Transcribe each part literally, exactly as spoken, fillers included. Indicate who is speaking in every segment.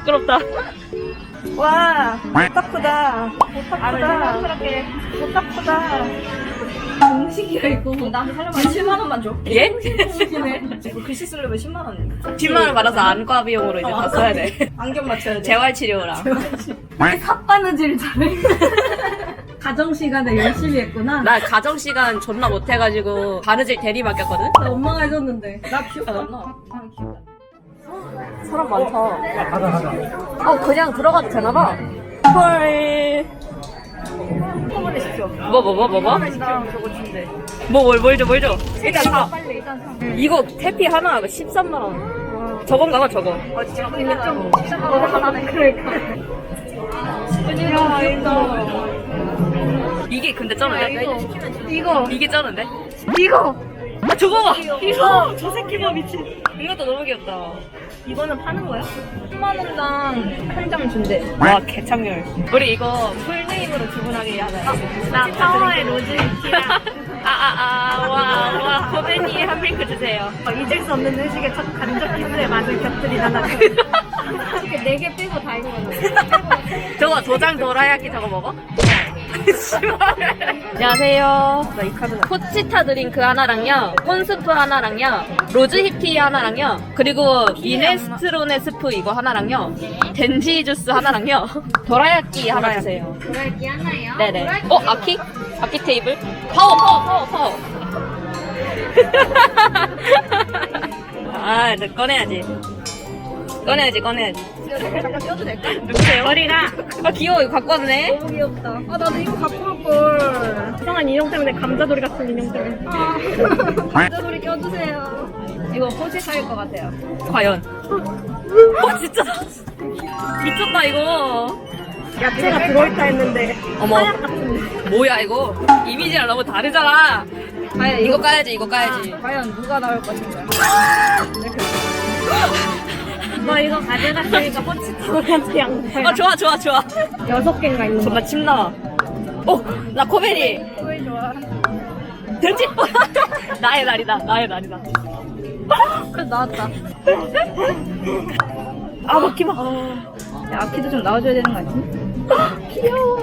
Speaker 1: 부끄럽다.
Speaker 2: 와, 오타쿠다. 오타쿠다. 오타쿠다. 공식이야 이거. 나한테 살려면 십만 원만 줘.
Speaker 1: 예?
Speaker 2: 글씨 쓰려면 십만 원.
Speaker 1: 십만 원 받아서 안과 비용으로 이제 다 써야 돼.
Speaker 2: 안경 맞춰야 돼.
Speaker 1: 재활치료랑.
Speaker 2: 삿바느질 잘해. 가정 시간에 열심히 했구나.
Speaker 1: 나 가정시간 존나 못해가지고 바느질 대리 맡겼거든?
Speaker 2: 나 엄마가 해줬는데. 나 기억 안 나. 아, 기억
Speaker 1: 사람 많다. 가자, 가자. 어, 그냥 들어가도 되나봐. 헐.
Speaker 2: 안 시켜.
Speaker 1: 뭐, 뭐, 뭐, 뭐, 뭐?
Speaker 2: 나 저거 준대.
Speaker 1: 뭐, 뭘, 뭘 줘, 뭘 줘. 일단 사.
Speaker 2: 빨리 일단 사.
Speaker 1: 이거 태피 하나 십삼만 원. 저건가 봐, 저거.
Speaker 2: 아, 진짜 근데 좀 너무 하나네. 그러니까. 야, 이거.
Speaker 1: 이게 근데 쩌는데?
Speaker 2: 이거.
Speaker 1: 이게 쩌는데?
Speaker 2: 이거.
Speaker 1: 아, 저거 봐!
Speaker 2: 이거. 저 새끼 봐 미친.
Speaker 1: 이것도 너무 귀엽다.
Speaker 2: 이거는 파는 거야? 십만 원당 한 장 준대.
Speaker 1: 와, 개창렬. 우리 이거 풀네임으로 주문하게 하자.
Speaker 2: 나 파워의 로즈이키랑
Speaker 1: 아, 아, 아, 와, 와, 코베니 한 핑크 주세요.
Speaker 2: 잊을 수 없는 의식의 첫 간접 키스의 맛을 곁들이다 나. 이렇게 네 개 빼고 다 이거 거잖아.
Speaker 1: 저거 도장 도라야끼 저거 먹어? 안녕하세요.
Speaker 2: 나 이 카드.
Speaker 1: 포치타 드링크 하나랑요, 콘스프 하나랑요, 로즈 힙티 하나랑요, 그리고 미네스트로네 스프 이거 하나랑요, 덴지 주스 하나랑요, 도라야끼 하나 주세요.
Speaker 2: 도라이키 하나요?
Speaker 1: 네네. 어, 아키? 아키 테이블? 파워, 파워, 파워, 파워. 아, 이제 꺼내야지. 꺼내야지, 꺼내야지.
Speaker 2: 잠깐 껴도 될까?
Speaker 1: 누구세요? 머리가. 아, 귀여워. 이거 갖고 왔네.
Speaker 2: 너무 귀엽다. 아 나도 이거 갖고 올걸. 이상한 인형 때문에 감자돌이 같은 인형 때문에. 아. 감자돌이 껴주세요. 이거 포시사일 것 같아요.
Speaker 1: 과연. 어, 진짜. 미쳤다, 이거.
Speaker 2: 야채가 들어있다 했는데
Speaker 1: 어머.
Speaker 2: 하얗 같은데.
Speaker 1: 뭐야, 이거. 이미지랑 너무 다르잖아.
Speaker 2: 과연
Speaker 1: 이거 까야지, 이거 까야지.
Speaker 2: 아, 과연 누가 나올 것인가? 너 이거 가져갔으니까 포치타올한테 양보해.
Speaker 1: 어, 좋아, 좋아, 좋아.
Speaker 2: 여섯 개인가 있는 거.
Speaker 1: 정말 침 나와. 어, 나 코베리.
Speaker 2: 왜 좋아?
Speaker 1: 된지? 나의 날이다, 나의 날이다.
Speaker 2: 그래 나왔다.
Speaker 1: 아, 먹기마.
Speaker 2: 야, 아키도 좀 나와줘야 되는 거 아니지? 귀여워.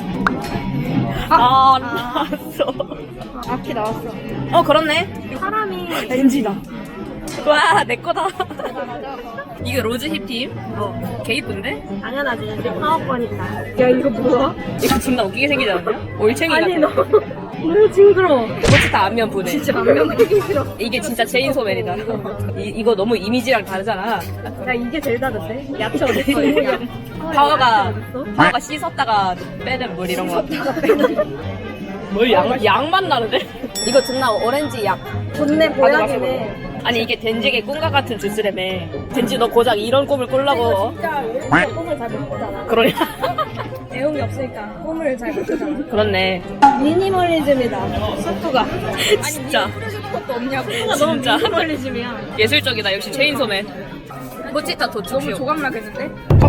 Speaker 1: 아,
Speaker 2: 아.
Speaker 1: 나왔어.
Speaker 2: 아, 아키 나왔어.
Speaker 1: 어, 그렇네.
Speaker 2: 사람이
Speaker 1: 덴지다. 와, 내 거다.
Speaker 2: 맞아 맞아.
Speaker 1: 이게 로즈 힙팀? 어, 개 이쁜데?
Speaker 2: 당연하지. 우리 파워권이다. 야 이거 뭐야?
Speaker 1: 이거 존나 웃기게 생기지 않냐? 올챙이
Speaker 2: 아니
Speaker 1: 같아.
Speaker 2: 너 너무 징그러워.
Speaker 1: 포치타 안면 보내.
Speaker 2: 진짜 안면 보기 싫어.
Speaker 1: 이게 진짜 체인소맨이다. 이, 이거 너무 이미지랑 다르잖아.
Speaker 2: 야 이게 제일 다른데? 야채 어딨어? 야.
Speaker 1: 파워가,
Speaker 2: 어딨어?
Speaker 1: 파워가 씻었다가 빼는 물 이런 거. 뭘 양, 양만 나는데? 이거 존나 오렌지 약.
Speaker 2: 좋네
Speaker 1: 가져가시고.
Speaker 2: 보약이네.
Speaker 1: 아니 이게 덴지의 꿈과 같은 주스라며. 덴지 너 고작 이런 꿈을 꾸려고.
Speaker 2: 진짜 우리가 꿈을 잘 못 꾸잖아.
Speaker 1: 그러냐?
Speaker 2: 애용이 없으니까 꿈을 잘 못 꾸잖아.
Speaker 1: 그렇네.
Speaker 2: 미니멀리즘이다. 스프가.
Speaker 1: 진짜.
Speaker 2: 뿌려주는 것도 없냐고.
Speaker 1: 너무
Speaker 2: 진짜 미니멀리즘이야.
Speaker 1: 예술적이다. 역시 체인소맨. 포치타 도축
Speaker 2: 너무
Speaker 1: 쇼.
Speaker 2: 조각나겠는데?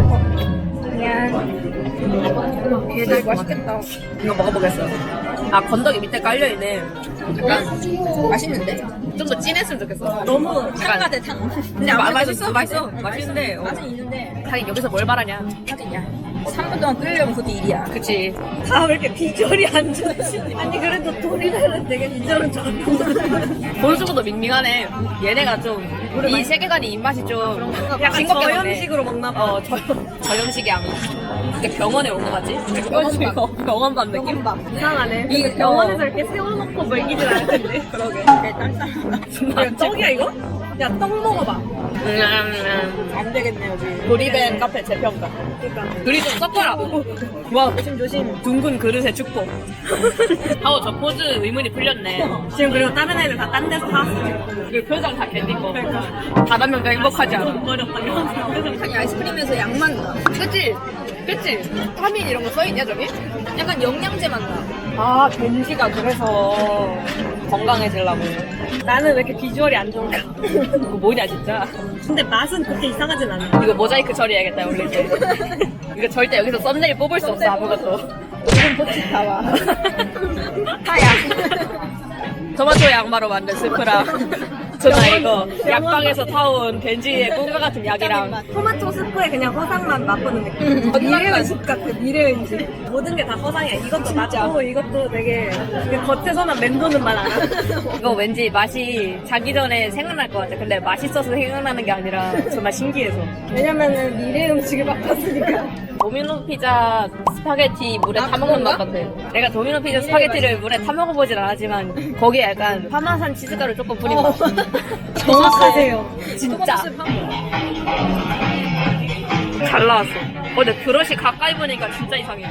Speaker 2: 미안. 얘들 맛있겠다.
Speaker 1: 이거 먹어보겠어. 아, 건더기 밑에 깔려있네. 약간
Speaker 2: 맛있는데?
Speaker 1: 좀 더 진했으면 좋겠어.
Speaker 2: 너무
Speaker 1: 탕가
Speaker 2: 대 탕.
Speaker 1: 근데 마, 맛있어, 맛있어. 맛있는데. 어.
Speaker 2: 맛은 있는데
Speaker 1: 하긴 여기서 뭘 바라냐.
Speaker 2: 하긴 야 삼 분 동안 끓이려면 그것도 일이야.
Speaker 1: 그치.
Speaker 2: 다 왜 이렇게 비주얼이 안 좋으시지? 아니 그래도 도리는 되게 비주얼은 좋은데.
Speaker 1: 본수보다 밍밍하네. 얘네가 좀 이 세계관이 입맛이 좀
Speaker 2: 약간
Speaker 1: 싱겁게 먹네.
Speaker 2: 저염식으로 먹나 봐.
Speaker 1: 어, 저, 저염식이 양. 이렇게 병원에 온 거 같지?
Speaker 2: 병원밥.
Speaker 1: 어, 병원밥 느낌?
Speaker 2: 병원밥. 이상하네.
Speaker 1: 이게
Speaker 2: 이게 병원에서 이렇게 세워놓고 먹이진 않을 텐데. 그러게. 야, 떡이야 이거? 야, 떡 먹어봐.
Speaker 1: 음, 음,
Speaker 2: 안 되겠네 여기.
Speaker 1: 음. 도리벤 카페 재평가.
Speaker 2: 그러니까.
Speaker 1: 그리 좀 섞어라. 와,
Speaker 2: 조심 조심.
Speaker 1: 둥근 그릇의 축복. 하고 저 포즈 의문이 풀렸네.
Speaker 2: 지금 그리고 다른 애들 다 딴 데서 사왔어.
Speaker 1: 그 표정 다 견딘 거. 다른 명도 행복하지 않아.
Speaker 2: 어렵다 이러면서.
Speaker 3: 아니 아이스크림에서 양만 나.
Speaker 1: 그치? 그치? 타민 이런 거 써있냐, 저기?
Speaker 3: 약간 영양제 맛 나.
Speaker 1: 아, 겐지가 그래서 건강해지려고.
Speaker 2: 나는 왜 이렇게 비주얼이 안 좋은가?
Speaker 1: 이거 뭐냐, 진짜.
Speaker 2: 근데 맛은 그렇게 이상하진 않아.
Speaker 1: 이거 모자이크 처리해야겠다, 원래 이제. 이거 절대 여기서 썸네일 뽑을 수 없어, 아무것도.
Speaker 2: 이건 포치타와.
Speaker 1: 하야. 토마토 양마로 만든 스프랑 저나 이거 약방에서 타온 덴지의 꿈과 같은 약이랑
Speaker 2: 토마토 스프에 그냥 허상만 맛보는 느낌. 미래 음식 같아, 미래 음식. 모든 게 다 허상이야. 이것도 맞고, 이것도 되게, 그냥 겉에서만 맴도는 맛 알아.
Speaker 1: 이거 왠지 맛이 자기 전에 생각날 것 같아. 근데 맛있어서 생각나는 게 아니라 정말 신기해서.
Speaker 2: 왜냐면은 미래 음식을 맛봤으니까.
Speaker 1: 도미노 피자 스파게티 물에 타먹는 맛 같아. 내가 도미노 피자 스파게티를 물에 타먹어보진 않았지만 거기에 약간 파마산 치즈가루 조금 뿌린 맛.
Speaker 2: 정확하세요.
Speaker 1: 진짜. 잘 나왔어. 어, 근데 그릇이 가까이 보니까 진짜 이상해.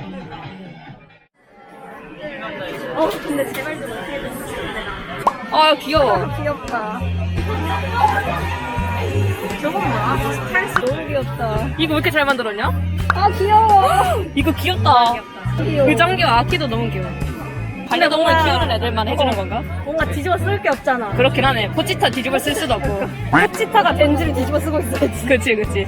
Speaker 2: 어, 근데 제발 좀 어떻게 해줘.
Speaker 1: 아, 귀여워.
Speaker 2: 귀엽다. 저건 뭐야? 스타일스 너무 귀엽다.
Speaker 1: 이거 왜 이렇게 잘 만들었냐?
Speaker 2: 아, 귀여워.
Speaker 1: 이거 귀엽다.
Speaker 2: 귀여워.
Speaker 1: 그 장기와 아키도 너무 귀여워. 반려동물
Speaker 2: 뭔가-
Speaker 1: 키우는 애들만 해주는
Speaker 2: 어.
Speaker 1: 건가?
Speaker 2: 뭔가 뒤집어 쓸 게 없잖아.
Speaker 1: 그렇긴 하네. 포치타 뒤집어 쓸 수도 없고.
Speaker 2: 포치타가 덴지를 뒤집어 쓰고 있어야지.
Speaker 1: 그치, 그치.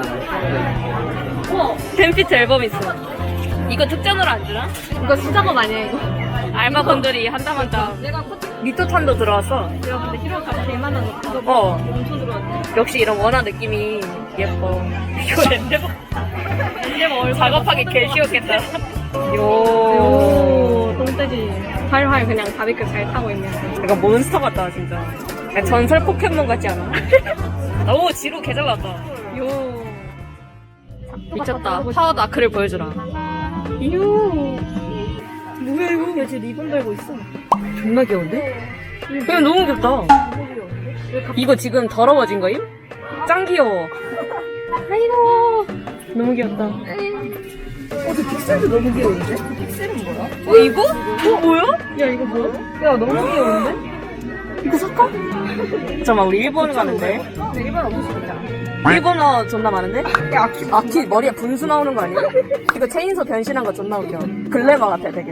Speaker 2: 우와,
Speaker 1: 팬피트 앨범 있어. 이거 특전으로 안 주나?
Speaker 2: 이거 수작업 아니야, 이거?
Speaker 1: 알마건들이 한땀 한땀.
Speaker 2: 내가 포치,
Speaker 1: 니토탄도 들어왔어.
Speaker 2: 내가 근데 히로가 대만한 거.
Speaker 1: 어.
Speaker 2: 엄청 들어왔네.
Speaker 1: 역시 이런 원화 느낌이 예뻐. 이거 랜데버. 랜데버 얼굴 작업하기 개 쉬웠겠다. 요.
Speaker 2: 오, 똥돼지. 활활 그냥 바비큐 잘 타고 있네.
Speaker 1: 약간 몬스터 같다, 진짜. 약간 전설 포켓몬 같지 않아? 너무 지루 개잘 같다.
Speaker 2: 요.
Speaker 1: 미쳤다. 파워 다크를 보여주라.
Speaker 2: 요. 뭐야, 이거? 야, 쟤 리본 달고 있어.
Speaker 1: 존나 귀여운데? 이거 너무 귀엽다. 이거 지금 더러워진 거임? 짱 귀여워. 아이고. 너무 귀엽다.
Speaker 2: 어, 저 픽셀도 너무 귀여운데? 픽셀은 뭐야?
Speaker 1: 어, 이거? 어, 뭐야?
Speaker 2: 야, 이거 뭐야? 야, 너무 귀여운데?
Speaker 1: 이거 살까? 잠깐만, 우리 일본 가는데.
Speaker 2: 네, 일반 없을 수 있잖아.
Speaker 1: 일본어 존나 많은데?
Speaker 2: 야, 아키.
Speaker 1: 아키 머리에 분수 나오는 거 아니야? 이거 체인소 변신한 거 존나 웃겨. 글래머 같아, 되게.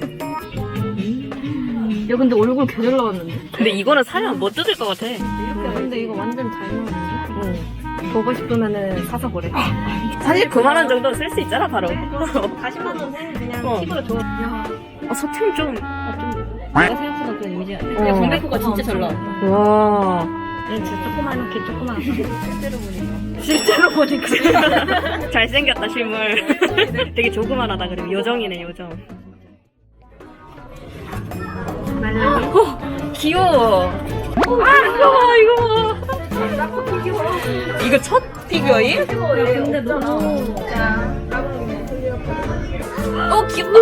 Speaker 2: 야, 근데 얼굴 개잘 나왔는데?
Speaker 1: 근데 이거는 사면 못 뜯을 것 같아.
Speaker 2: 근데 이거 완전 잘 나왔는데?
Speaker 1: 응.
Speaker 2: 보고 싶으면은 사서 보래.
Speaker 1: 사실 그만 원 정도 쓸 수 있잖아, 바로.
Speaker 2: 사십만 원은 그냥
Speaker 1: 어.
Speaker 2: 팁으로 줘. 야,
Speaker 1: 아, 소템 좀.
Speaker 2: 내가 생각보다 그 이미지야.
Speaker 1: 어.
Speaker 2: 야, 공백호가 진짜 잘 나와.
Speaker 1: 와.
Speaker 2: 얘 진짜 조그만, 개 조그만. 실제로 보니까.
Speaker 1: 실제로 보니까. 잘생겼다, 실물. 되게 조그만하다, 그리고 요정이네, 요정.
Speaker 2: 말랑이.
Speaker 1: 어, 귀여워. 아, 이거 봐, 이거 봐. 이거 첫 피규어임?
Speaker 2: 야, 근데 너무. 자,
Speaker 1: 어, 귀엽다.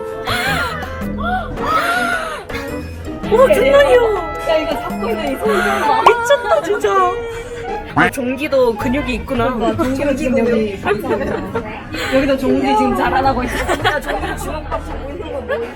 Speaker 1: 오, 존나 귀여워.
Speaker 2: 야, 이거 잡고 있는 이 손 봐.
Speaker 1: 미쳤다, 진짜. 아, 종기도 근육이 있구나.
Speaker 2: 종기로 지금 여기. 여기도 종기 지금 자라나고 있어. 야, 종기 주먹밥 잡고 있는 거 뭐.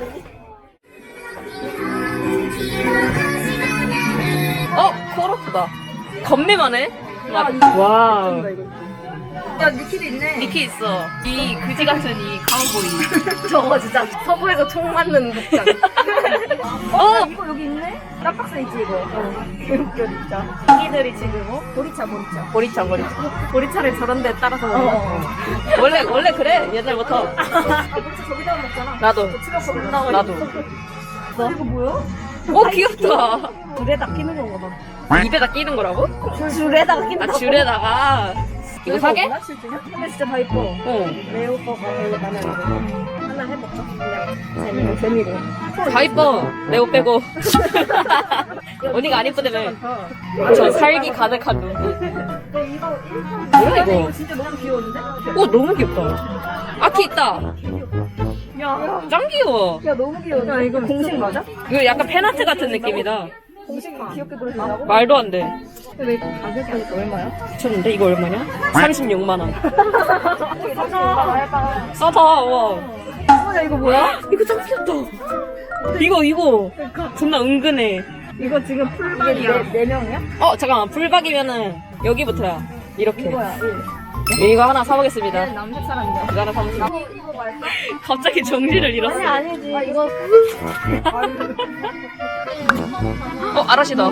Speaker 1: 어, 코로프다. 겁내만해. 와우.
Speaker 2: 야, 니키도 있네.
Speaker 1: 니키 있어. 이 그지 같은 이 가우보이.
Speaker 2: 저거 진짜 서부에서 총 맞는 복장.
Speaker 1: 어,
Speaker 2: 이거 여기 있네? 깜빡스 있지, 이거. 어. 개웃겨, 진짜. 자기들이 지금, 어? 보리차, 보리차.
Speaker 1: 보리차, 보리차.
Speaker 2: 보리차를 저런 데 따라서 먹는 거.
Speaker 1: 원래 원래 그래 옛날부터.
Speaker 2: 아, 보리차 저기다 먹잖아.
Speaker 1: 나도.
Speaker 2: 치가 나가
Speaker 1: 나도.
Speaker 2: 이거 뭐야?
Speaker 1: 오, 귀엽다.
Speaker 2: 줄에다 끼는 건가 봐.
Speaker 1: 입에다 끼는 거라고?
Speaker 2: 줄에다가 끼는
Speaker 1: 아, 줄에다가. 이거 사게?
Speaker 2: 근데 진짜 다 이뻐.
Speaker 1: 어.
Speaker 2: 레오 거가 별로 마음에 안 들어. 하나 해볼까? 그냥 재미로, 재미로.
Speaker 1: 다 이뻐. 레오 빼고. 언니가 안 이쁘다며. 저 살기 가득한 눈.
Speaker 2: 근데 이거
Speaker 1: 뭐야,
Speaker 2: 이거
Speaker 1: 이거?
Speaker 2: 진짜 너무 귀여운데?
Speaker 1: 오, 너무 귀엽다. 아키 있다.
Speaker 2: 야,
Speaker 1: 짱 귀여워.
Speaker 2: 야 너무 귀여운데? 야 이거 공식 맞아?
Speaker 1: 이거 약간 팬아트 같은 느낌이다.
Speaker 2: 공식 귀엽게 그려준다고?
Speaker 1: 말도 안 돼.
Speaker 2: 근데 이거 가격이 얼마야?
Speaker 1: 미쳤는데? 이거 얼마냐? 삼십육만 원.
Speaker 2: 사자.
Speaker 1: 싸다, 와.
Speaker 2: 어, 야 이거 뭐야?
Speaker 1: 이거 짱 귀엽다. 이거, 이거. 존나 은근해.
Speaker 2: 이거 지금 풀박이야. 네, 네 명이야?
Speaker 1: 어, 잠깐만. 풀박이면은 여기부터야. 이렇게.
Speaker 2: 이거야.
Speaker 1: 이거 하나 사보겠습니다.
Speaker 2: 남색 사람이야.
Speaker 1: 이거 하나 사보겠습니다.
Speaker 2: 이거 말까?
Speaker 1: 갑자기 정신을 잃었어.
Speaker 2: 아니 아니지. 아 이거
Speaker 1: 어, 아라시다.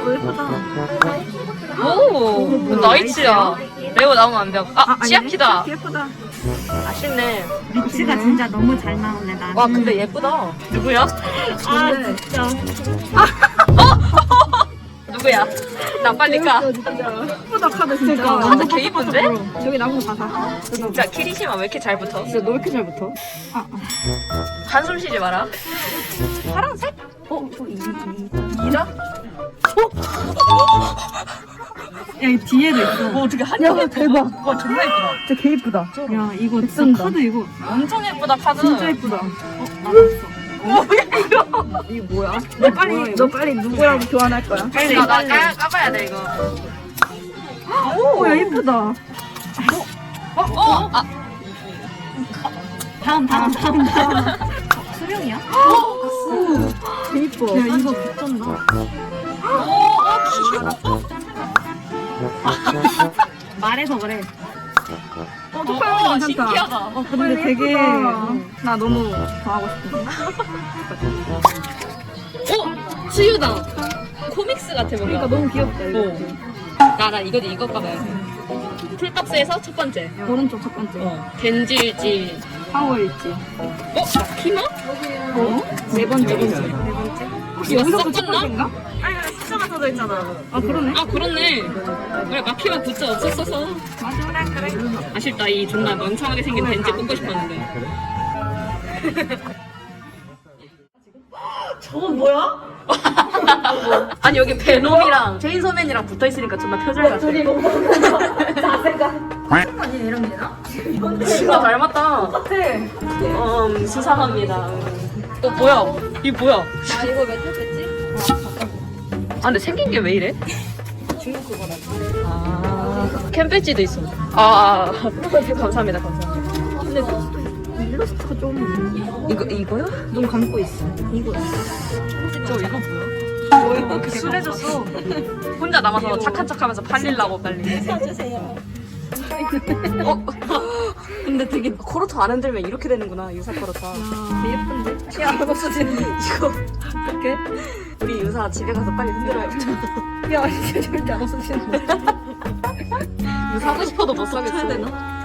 Speaker 1: 오, 나이츠야. 레오 나오면 안 돼. 아, 치아키다.
Speaker 2: 예쁘다.
Speaker 1: 아쉽네.
Speaker 2: 리치가 진짜 너무 잘 나오네 나.
Speaker 1: 와, 근데 예쁘다. 누구야?
Speaker 2: 아 진짜.
Speaker 1: 누구야? 나 빨리 까.
Speaker 2: 예쁘다 카드 진짜.
Speaker 1: 카드 개 이쁜데?
Speaker 2: 저기 나보고 가사.
Speaker 1: 진짜 키리시마 왜 이렇게 잘 붙어?
Speaker 2: 진짜 너 왜 이렇게 잘 붙어?
Speaker 1: 한숨 쉬지 마라.
Speaker 2: 파란색? 어? 또 이, 이.
Speaker 1: 이자?
Speaker 2: 야, 이 뒤에도 있어.
Speaker 1: 뭐 어떻게 한
Speaker 2: 야,
Speaker 1: 장에
Speaker 2: 대박.
Speaker 1: 와 존나 예쁘다.
Speaker 2: 진짜 개 이쁘다. 야, 이거 진짜 카드 이거
Speaker 1: 엄청 예쁘다 카드.
Speaker 2: 진짜 이쁘다. 어, 알았어. 뭐야 이거? 이게 뭐야? 너 빨리 너 빨리 누구랑 교환할 거야? 빨리
Speaker 1: 나, 나 까, 까봐야 돼 이거.
Speaker 2: 오, 야 이쁘다.
Speaker 1: 어? 어? 아,
Speaker 2: 다음 다음 다음 다음. 수명이야? 오, 개 이뻐. 야 이거 미쳤나? 말해서 그래. 어,
Speaker 1: 어,
Speaker 2: 토파이
Speaker 1: 어,
Speaker 2: 괜찮다.
Speaker 1: 신기하다.
Speaker 2: 어, 근데 되게 나 너무 좋아하고 싶어.
Speaker 1: 어? 수유다. 코믹스 같아 뭔가.
Speaker 2: 그러니까 너무 귀엽다 이거.
Speaker 1: 어. 나, 나 이거 이거 까봐야 돼. 풀박스에서 첫 번째.
Speaker 2: 오른쪽 첫 번째.
Speaker 1: 어. 덴질지.
Speaker 2: 파워일지.
Speaker 1: 어? 키마?
Speaker 2: 어? 네 번째. 네 번째. 혹시
Speaker 1: 이거
Speaker 2: 여기서부터 첫
Speaker 1: 섞었나?
Speaker 2: 번째인가? 아니, 숫자가 써져 있잖아. 아, 그러네.
Speaker 1: 아 그렇네. 그래 마키마 굿즈 없었어서.
Speaker 2: 맞아, 그래.
Speaker 1: 아쉽다 이 존나 멍청하게 생긴 덴지 뽑고 싶었는데.
Speaker 2: 저건 뭐야?
Speaker 1: 아니 여기 베놈이랑 체인소맨이랑 붙어있으니까 존나 표절 같아.
Speaker 2: 둘이 뭐 자세가.
Speaker 3: 아니 이런 게나?
Speaker 1: 진짜 닮았다.
Speaker 2: 같아.
Speaker 1: 음 수상합니다. 어 뭐야? 이 뭐야?
Speaker 3: 아 이거 몇살 뺐지?
Speaker 1: 아 근데 생긴 게 왜 이래?
Speaker 3: 중국 그거라.
Speaker 1: 아 캠배지도 있어. 아 감사합니다 감사합니다.
Speaker 2: 근데 일러스트가 좀
Speaker 1: 이거 이거요?
Speaker 2: 눈 감고 있어. 이거.
Speaker 1: 저 이거 뭐야?
Speaker 2: 뭐야? 순해졌어.
Speaker 1: 혼자 남아서 착한 척하면서 팔리려고 빨리.
Speaker 3: 사주세요.
Speaker 1: 어? 근데 되게 코르토 안 흔들면 이렇게 되는구나 유사 코르토.
Speaker 2: 되게 예쁜데? 야, 이거 쓰지.
Speaker 1: 이거
Speaker 2: 어떡해?
Speaker 1: 우리 유사 집에 가서 빨리 흔들어야겠다.
Speaker 2: 야, 이게 절대 안 없어지는데.
Speaker 1: 이거 사고 싶어도 못 사겠어.
Speaker 2: 되나?